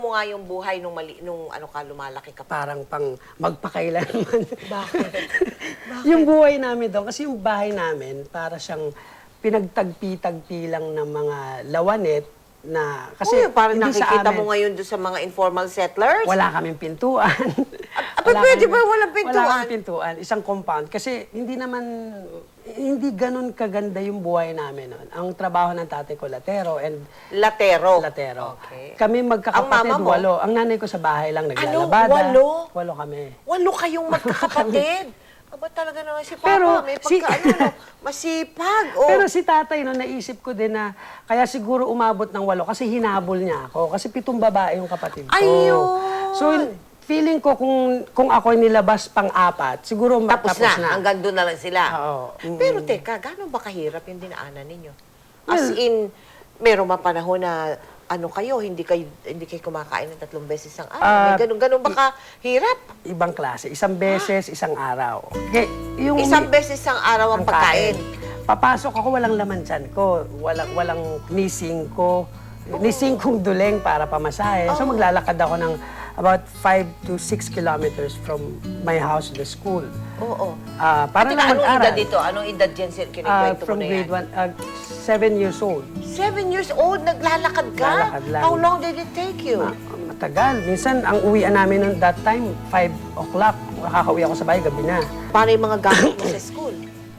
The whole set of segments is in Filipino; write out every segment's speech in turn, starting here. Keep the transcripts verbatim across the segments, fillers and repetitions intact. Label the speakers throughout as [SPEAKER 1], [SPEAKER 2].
[SPEAKER 1] mo nga yung buhay nung, mali, nung ano ka, lumalaki ka pa?
[SPEAKER 2] Parang pang magpakailanman.
[SPEAKER 1] Bakit? Bakit?
[SPEAKER 2] Yung buhay namin doon, kasi yung bahay namin, para siyang pinagtagpi-tagpi lang ng mga lawanet na, kasi
[SPEAKER 1] Uy, parang
[SPEAKER 2] hindi sa
[SPEAKER 1] nakikita
[SPEAKER 2] amin,
[SPEAKER 1] mo ngayon doon sa mga informal settlers?
[SPEAKER 2] wala kaming pintuan.
[SPEAKER 1] Ah, pwede ba walang pintuan?
[SPEAKER 2] Wala kaming pintuan, isang compound. Kasi hindi naman, hindi ganun kaganda yung buhay namin noon. Ang trabaho ng tatay ko, latero, and
[SPEAKER 1] Latero.
[SPEAKER 2] latero.
[SPEAKER 1] Okay.
[SPEAKER 2] Kami magkakapatid,
[SPEAKER 1] Ang mama mo?
[SPEAKER 2] walo. Ang nanay ko sa bahay lang,
[SPEAKER 1] Ano?
[SPEAKER 2] naglalabada.
[SPEAKER 1] Walo?
[SPEAKER 2] Walo kami.
[SPEAKER 1] Walo kayong magkakapatid. Aba talaga naman si Papa,
[SPEAKER 2] Pero
[SPEAKER 1] may
[SPEAKER 2] si-
[SPEAKER 1] pagka, ano, no, masipag. Oh.
[SPEAKER 2] Pero si tatay, no, naisip ko din na kaya siguro umabot ng walo kasi hinabol niya ako. Kasi pitong babae yung kapatid ko.
[SPEAKER 1] Ayun!
[SPEAKER 2] So, feeling ko kung kung ako nilabas pang-apat, siguro ma-
[SPEAKER 1] tapos,
[SPEAKER 2] tapos
[SPEAKER 1] na,
[SPEAKER 2] na.
[SPEAKER 1] hanggang doon na lang sila.
[SPEAKER 2] Oo. Mm.
[SPEAKER 1] Pero teka, gano'n ba kahirap yung dinaanan ninyo? As
[SPEAKER 2] Well,
[SPEAKER 1] in, meron mga panahon na ano kayo, hindi kayo hindi kayo kumakain ng tatlong beses ang araw.
[SPEAKER 2] Ah,
[SPEAKER 1] May ganun, ganun ba kahirap?
[SPEAKER 2] Ibang klase. Isang beses, isang araw. Okay, yung
[SPEAKER 1] Isang beses ang araw ang pagkain.
[SPEAKER 2] Papasok ako, walang laman dyan ko. Walang, walang nising ko. Nising kong duleng para pamasahe. So maglalakad ako ng about five to six kilometers from my house to the school.
[SPEAKER 1] Oo.
[SPEAKER 2] Ah, para
[SPEAKER 1] Teka,
[SPEAKER 2] lang
[SPEAKER 1] anong
[SPEAKER 2] mag-aral.
[SPEAKER 1] edad dito? Anong edad dyan sir?
[SPEAKER 2] Ah,
[SPEAKER 1] Kinikwento mo
[SPEAKER 2] from
[SPEAKER 1] na yan.
[SPEAKER 2] grade one, ah, seven years old.
[SPEAKER 1] Seven years old, naglalakad ka?
[SPEAKER 2] Naglalakad lang.
[SPEAKER 1] How long did it take you?
[SPEAKER 2] Ah, matagal. Minsan, ang uwian namin noon that time, five o'clock. Makakauwi ako sa bahay, gabi na.
[SPEAKER 1] Paano yung mga gamit mo sa school?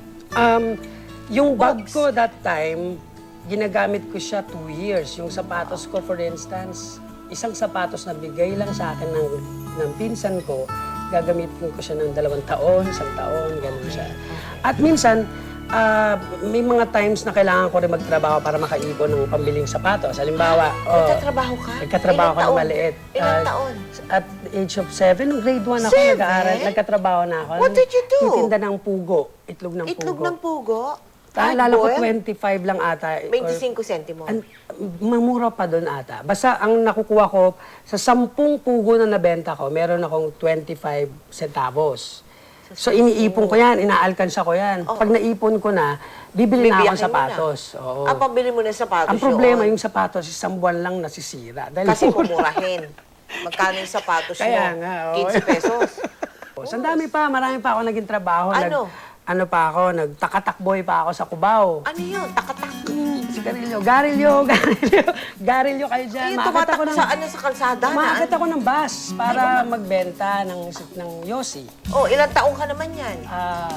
[SPEAKER 2] Um, yung bag
[SPEAKER 1] Bags.
[SPEAKER 2] ko that time, ginagamit ko siya two years. Yung sapatos ko, for instance, isang sapatos na bigay lang sa akin ng, ng pinsan ko, gagamitin ko siya ng dalawang taon, isang taon, ganun siya. At minsan, ah, may mga times na kailangan ko rin magtrabaho para makaipon ng pambiling sapatos. Halimbawa, oh,
[SPEAKER 1] Nagtatrabaho ka?
[SPEAKER 2] nagkatrabaho
[SPEAKER 1] Ilang
[SPEAKER 2] ko na
[SPEAKER 1] taon?
[SPEAKER 2] maliit.
[SPEAKER 1] Ilang
[SPEAKER 2] Ah,
[SPEAKER 1] taon?
[SPEAKER 2] At the age of seven, nung grade one ako
[SPEAKER 1] Seven?
[SPEAKER 2] nag-aaral, nagkatrabaho na ako.
[SPEAKER 1] What did you do?
[SPEAKER 2] Titinda ng pugo, itlog ng
[SPEAKER 1] Itlog
[SPEAKER 2] pugo.
[SPEAKER 1] ng pugo?
[SPEAKER 2] Naalala ko,
[SPEAKER 1] Hard-boiled?
[SPEAKER 2] twenty-five lang ata. or-
[SPEAKER 1] twenty-five centimo.
[SPEAKER 2] An, mamura pa doon ata. Basta ang nakukuha ko, sa sampung pugo na nabenta ko, meron akong twenty-five centavos. So iniipon ko yan, inaalkansa ko yan. Pag naipon ko na, bibili na
[SPEAKER 1] Bibiyakin mo
[SPEAKER 2] akong
[SPEAKER 1] na.
[SPEAKER 2] sapatos. Oo.
[SPEAKER 1] Ah, pambili mo ng sapatos
[SPEAKER 2] Ang problema,
[SPEAKER 1] yun.
[SPEAKER 2] yung sapatos, isang buwan lang nasisira. Dahil
[SPEAKER 1] Kasi
[SPEAKER 2] mura.
[SPEAKER 1] pumurahin. Magkano yung sapatos
[SPEAKER 2] Kaya
[SPEAKER 1] mo?
[SPEAKER 2] nga, oo.
[SPEAKER 1] fifteen pesos.
[SPEAKER 2] So, ang dami pa, marami pa ako naging trabaho.
[SPEAKER 1] Ano?
[SPEAKER 2] Nag, ano pa ako, nagtakatakboy pa ako sa Cubao.
[SPEAKER 1] Ano yun? Takatak.
[SPEAKER 2] Sigarilyo, garilyo, garilyo, garilyo kayo dyan.
[SPEAKER 1] Ayun,
[SPEAKER 2] Maagat
[SPEAKER 1] tumatak
[SPEAKER 2] ako ng,
[SPEAKER 1] sa, ano, sa kalsada na.
[SPEAKER 2] maagat ako ng bus para magbenta ng, ng yosi.
[SPEAKER 1] Oh, ilang taong ka naman yan?
[SPEAKER 2] Ah,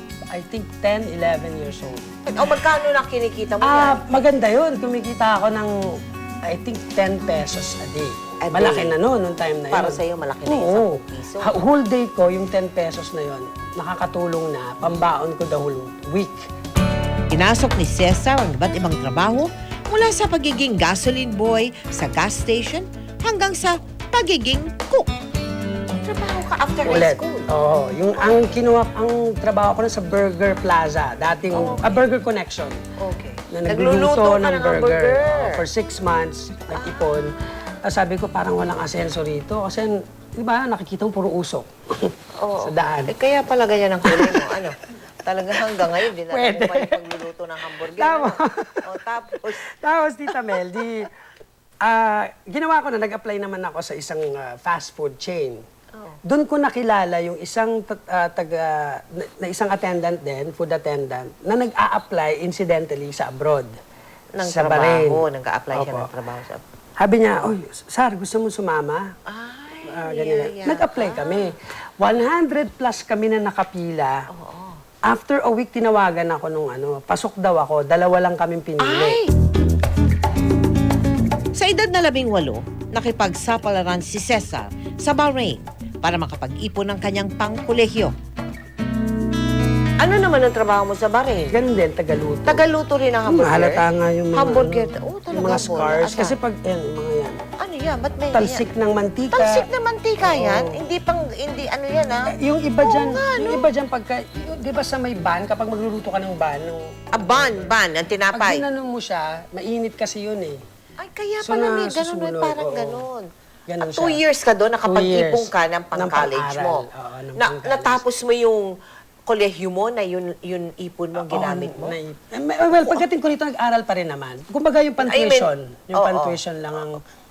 [SPEAKER 2] I think ten, eleven years old.
[SPEAKER 1] O, magkano na kinikita mo
[SPEAKER 2] Ah,
[SPEAKER 1] yan?
[SPEAKER 2] maganda yun. Kumikita ako ng, I think, ten pesos a day.
[SPEAKER 1] A day?
[SPEAKER 2] Malaki na noon, noong time na yun.
[SPEAKER 1] Para sa'yo, malaki na yung
[SPEAKER 2] Oo.
[SPEAKER 1] ten piso.
[SPEAKER 2] Ha- Whole day ko, yung ten pesos na yun, nakakatulong na, pambaon ko the whole week.
[SPEAKER 3] Pinasok ni Cesar ang iba't ibang trabaho mula sa pagiging gasoline boy sa gas station hanggang sa pagiging cook.
[SPEAKER 1] Trabaho ka after high
[SPEAKER 2] Ulit.
[SPEAKER 1] school.
[SPEAKER 2] Oo. Yung, ang kinuha, ang trabaho ko na sa Burger Plaza, dating a Burger Connection.
[SPEAKER 1] Okay.
[SPEAKER 2] Na
[SPEAKER 1] Nagluluto
[SPEAKER 2] nagluluto
[SPEAKER 1] ka
[SPEAKER 2] ng
[SPEAKER 1] ng
[SPEAKER 2] burger.
[SPEAKER 1] hamburger.
[SPEAKER 2] Oo, for six months, nag-ipon. Ah, sabi ko, parang walang asenso rito. Kasi, di ba, nakikita mo puro usok
[SPEAKER 1] Oo.
[SPEAKER 2] sa daan.
[SPEAKER 1] Eh, kaya pala ganyan ang kulay mo. Ano? Talaga hanggang ngayon, din
[SPEAKER 2] Pwede.
[SPEAKER 1] mo pa yung pagluluto ng hamburger.
[SPEAKER 2] Tama.
[SPEAKER 1] Ano? O, tapos,
[SPEAKER 2] Tapos, Tita Mel, di, ah, ginawa ko na, nag-apply naman ako sa isang ah, fast food chain.
[SPEAKER 1] Oh.
[SPEAKER 2] Doon ko nakilala yung isang ta- ah, taga, na, na isang attendant din, food attendant, na nag-a-apply incidentally sa abroad.
[SPEAKER 1] ng
[SPEAKER 2] sa Bahrain.
[SPEAKER 1] trabaho, nag-a-apply siya
[SPEAKER 2] Opo.
[SPEAKER 1] ng trabaho sa...
[SPEAKER 2] Sabi niya, oy, Sar, gusto mo sumama?
[SPEAKER 1] Ay,
[SPEAKER 2] Ah, ganyan.
[SPEAKER 1] yeah, yeah.
[SPEAKER 2] Nag-apply kami. one hundred plus kami na nakapila.
[SPEAKER 1] Oo.
[SPEAKER 2] After a week, tinawagan ako nung ano, pasok daw ako, dalawa lang kaming pinili.
[SPEAKER 1] Ay!
[SPEAKER 3] Sa edad na labing walo, nakipagsapalaran si Cesar sa Bahrain para makapag-ipon ng kanyang pangkolehyo.
[SPEAKER 1] Ano naman ang trabaho mo sa Bahrain?
[SPEAKER 2] Ganun din, Tagaluto.
[SPEAKER 1] Tagaluto rin ng hamburger?
[SPEAKER 2] Mahalata nga yung mga,
[SPEAKER 1] Hamburger.
[SPEAKER 2] ano,
[SPEAKER 1] Oh, talaga
[SPEAKER 2] yung mga
[SPEAKER 1] po.
[SPEAKER 2] scars.
[SPEAKER 1] Asa?
[SPEAKER 2] Kasi pag, yan, yung mga yan.
[SPEAKER 1] Ano yan? Ba't may
[SPEAKER 2] Talsik ng mantika.
[SPEAKER 1] Talsik na mantika yan?
[SPEAKER 2] Oo.
[SPEAKER 1] Hindi pang, hindi ano yan ha?
[SPEAKER 2] Yung iba
[SPEAKER 1] Oo
[SPEAKER 2] dyan,
[SPEAKER 1] nga,
[SPEAKER 2] yung
[SPEAKER 1] no?
[SPEAKER 2] iba dyan pagka, yung- di ba sa may ban, kapag magluluto ka ng ban, nung,
[SPEAKER 1] Ah, ban, ban, ang
[SPEAKER 2] pag
[SPEAKER 1] tinapay.
[SPEAKER 2] ginano mo siya, mainit kasi yun eh.
[SPEAKER 1] Ay, kaya
[SPEAKER 2] So,
[SPEAKER 1] pala
[SPEAKER 2] na
[SPEAKER 1] may ganun, may
[SPEAKER 2] susunod,
[SPEAKER 1] parang
[SPEAKER 2] oo.
[SPEAKER 1] ganun.
[SPEAKER 2] Ganun
[SPEAKER 1] At two
[SPEAKER 2] siya.
[SPEAKER 1] years ka doon, nakapag-ipong
[SPEAKER 2] Two
[SPEAKER 1] ka
[SPEAKER 2] years.
[SPEAKER 1] ng
[SPEAKER 2] Ng
[SPEAKER 1] pang-college
[SPEAKER 2] pang-aral.
[SPEAKER 1] mo.
[SPEAKER 2] Oo, ng
[SPEAKER 1] Na,
[SPEAKER 2] pang-college.
[SPEAKER 1] natapos mo yung kolehiyo mo na yun, yun ipon mo, ginamit mo?
[SPEAKER 2] Oo, naip- eh, well, pagdating ko rito, nag-aral pa rin naman. Kumbaga yung
[SPEAKER 1] I mean,
[SPEAKER 2] pan-tuition. Yung
[SPEAKER 1] oo.
[SPEAKER 2] pan-tuition lang ang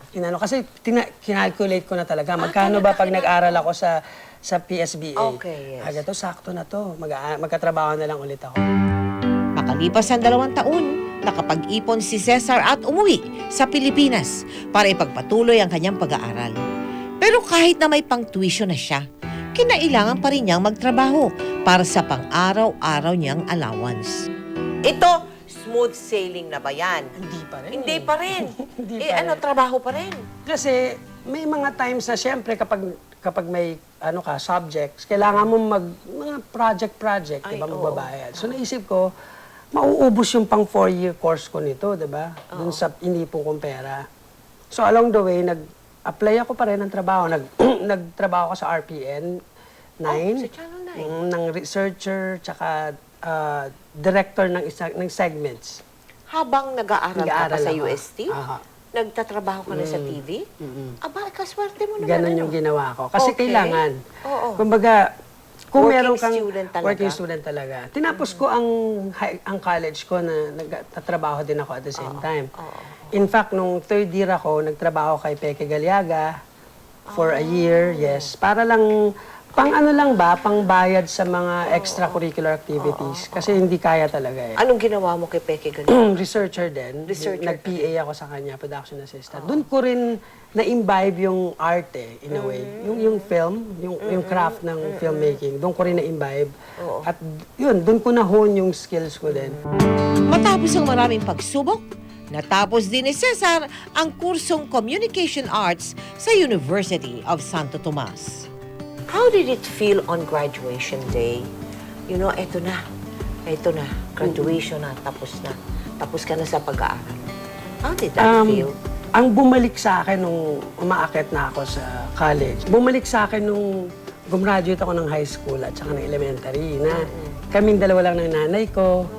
[SPEAKER 2] inano. Kasi tina, kinalculate ko na talaga. Magkano ba pag nag-aral ako sa sa P S B A?
[SPEAKER 1] Okay, yes.
[SPEAKER 2] Aga to, sakto na to. Mag magkatrabaho na lang ulit ako.
[SPEAKER 3] Makalipas ang dalawang taon, nakapag-ipon si Cesar at umuwi sa Pilipinas para ipagpatuloy ang kanyang pag-aaral. Pero kahit na may pang-tuition na siya, kinailangan pa rin niyang magtrabaho para sa pang-araw-araw niyang allowance.
[SPEAKER 1] Ito, smooth sailing na ba yan?
[SPEAKER 2] Hindi pa rin.
[SPEAKER 1] Hindi pa rin.
[SPEAKER 2] Hindi
[SPEAKER 1] eh,
[SPEAKER 2] pa
[SPEAKER 1] ano,
[SPEAKER 2] rin.
[SPEAKER 1] trabaho pa rin.
[SPEAKER 2] Kasi may mga times na siyempre kapag kapag may ano ka subjects, kailangan mo mag mga project-project,
[SPEAKER 1] Ay,
[SPEAKER 2] 'di ba,
[SPEAKER 1] oo.
[SPEAKER 2] magbabayad. So naisip ko, mauubos yung pang four-year course ko nito, 'di ba? Doon sa inipon kong pera. So along the way, nag-apply ako pa rin ng trabaho. Nag nagtrabaho ako sa R P N nine,
[SPEAKER 1] Oh, sa Channel nine.
[SPEAKER 2] mm, ng researcher tsaka ah, director ng isa, ng segments.
[SPEAKER 1] Habang nag-aaral ka pa
[SPEAKER 2] Nag-aaral
[SPEAKER 1] sa
[SPEAKER 2] ako.
[SPEAKER 1] U S T,
[SPEAKER 2] Aha.
[SPEAKER 1] nagtatrabaho ka na sa T V, aba, kaswerte mo naman.
[SPEAKER 2] Ganon
[SPEAKER 1] ano?
[SPEAKER 2] yung ginawa ko. Kasi
[SPEAKER 1] Okay.
[SPEAKER 2] kailangan.
[SPEAKER 1] Oo.
[SPEAKER 2] Kumbaga, kung
[SPEAKER 1] Working
[SPEAKER 2] meron kang
[SPEAKER 1] student talaga.
[SPEAKER 2] working student talaga. Tinapos ko ang hi- ang college ko na nagtatrabaho din ako at the same time. In fact, nung third year ako, nagtrabaho kay Peke Galiaga for a year, yes. Para lang, pang ano lang ba, pang bayad sa mga extracurricular activities. Kasi hindi kaya talaga eh.
[SPEAKER 1] Anong ginawa mo kay Peke Galing?
[SPEAKER 2] Researcher din.
[SPEAKER 1] Researcher
[SPEAKER 2] Nag-P A ako sa kanya, production assistant. Doon ko rin na-imbibe yung art eh, in a way. Yung yung film, yung yung craft ng filmmaking, doon ko rin na-imbibe. At yun, doon ko na-hone yung skills ko din.
[SPEAKER 3] Matapos ang maraming pagsubok, natapos din ni Cesar ang kursong Communication Arts sa University of Santo Tomas.
[SPEAKER 1] How did it feel on graduation day? You know, eto na. Eto na. Graduation na. Tapos na. Tapos ka na sa pag-aaral. How did that
[SPEAKER 2] Um,
[SPEAKER 1] feel?
[SPEAKER 2] Ang bumalik sa akin nung umaakit na ako sa college, bumalik sa akin nung gumraduate ako ng high school at saka ng elementary na kaming dalawa lang ng nanay ko.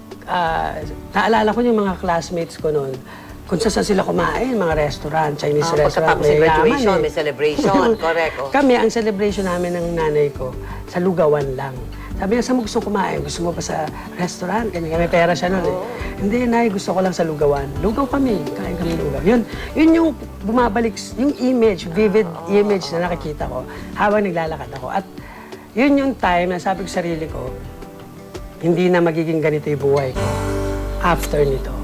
[SPEAKER 2] Ah, naalala ko yung mga classmates ko noon, kung saan sila kumain, mga restaurant, Chinese
[SPEAKER 1] Ah,
[SPEAKER 2] restaurant.
[SPEAKER 1] pagkatapos ng
[SPEAKER 2] mayayaman
[SPEAKER 1] graduation,
[SPEAKER 2] eh.
[SPEAKER 1] may celebration. Correct. Oh.
[SPEAKER 2] Kami, ang celebration namin ng nanay ko, sa lugawan lang. Sabi niya, saan mo gusto kumain? Gusto mo pa sa restaurant? Kanya, may pera siya noon eh. Hindi, nay, gusto ko lang sa lugawan. Lugaw kami, kain kami lugaw. Yun, yun yung bumabalik, yung image, vivid image na nakikita ko habang naglalakad ako. At yun yung time na sabi ko sa sarili ko, hindi na magiging ganito yung buhay ko after nito.